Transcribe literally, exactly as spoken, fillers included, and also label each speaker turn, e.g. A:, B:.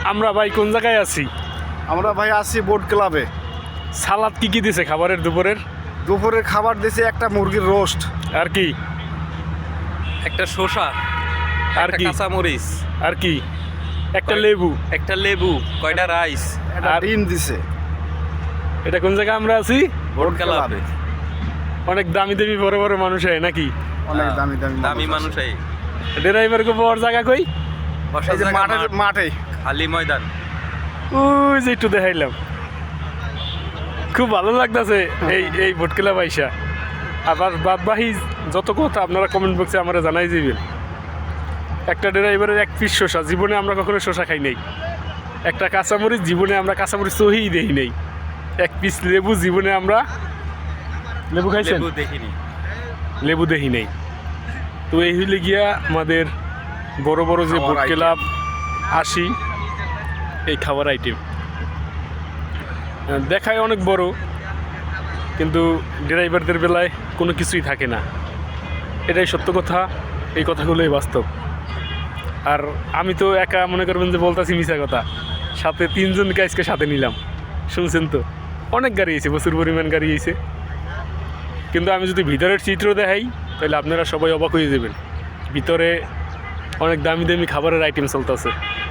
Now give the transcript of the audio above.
A: আমরা ভাই কোন জায়গায় আছি?
B: আমরা ভাই আছি বোট ক্লাবে।
A: সালাদ কি কি দিছে খাবারের দুপুরের?
B: দুপুরের খাবার দিয়েছে একটা মুরগির রোস্ট,
A: আর কি
C: একটা শসা,
A: আর
C: একটা
A: কি
C: কাঁচা মরিচ,
A: আর কি একটা লেবু।
C: একটা লেবু, কয়টা রাইস।
B: একটা
A: আর-
B: ডিম দিছে।
A: এটা কোন জায়গায় আমরা আছি?
C: বোট
B: বোট
C: ক্লাবে
B: ক্লাবে।
A: অনেক দামি দামি বড় বড় মানুষ হয় নাকি?
B: অনেক
C: হ্যাঁ,
B: দামি দামি
C: দামি
B: মানুষ
C: মানুষ
B: আছে।
C: এই
A: ড্রাইভার কো বড় জায়গা কই?
C: বসার
B: এই যে
C: জায়গা
B: মাঠে
C: মাঠ,
B: মাঠে
C: খালি ময়দান।
A: ওই যে একটু দেখাইলাম, খুব ভালো লাগতেছে এই এই ভোটকেলা পয়সা। আবার বাদ বাহি যত কথা আপনারা কমেন্ট বক্সে আমরা জানাই দিবেন। একটা ড্রাইভারের এক পিস শসা, জীবনে আমরা কখনো শসা খাই নাই। একটা কাঁচামরিচ, জীবনে আমরা কাঁচামরিচ সহিই দেই নাই। এক পিস লেবু, জীবনে আমরা লেবু খাইছেন?
C: লেবু দেখিনি।
A: লেবু দেখি নেই। তো এই হইলে গিয়া আমাদের বড় বড় যে
B: খাওয়ার
A: বোট
B: item।
A: ক্লাব আসি, এই খাবার আইটেম দেখায় অনেক বড়, কিন্তু ড্রাইভারদের বেলায় কোনো কিছুই থাকে না। এটাই সত্য কথা, এই কথাগুলোই বাস্তব। আর আমি তো একা মনে করবেন যে বলতেছি মিশা কথা, সাথে তিনজনকে আজকে সাথে নিলাম। শুনছেন তো, অনেক গাড়ি এসে, প্রচুর পরিমাণ গাড়ি এসে। কিন্তু আমি যদি ভিতরের চিত্র দেখাই তাহলে আপনারা সবাই অবাক হয়ে যাবেন। ভিতরে অনেক দামি দামি খাবারের আইটেম চলতেছে।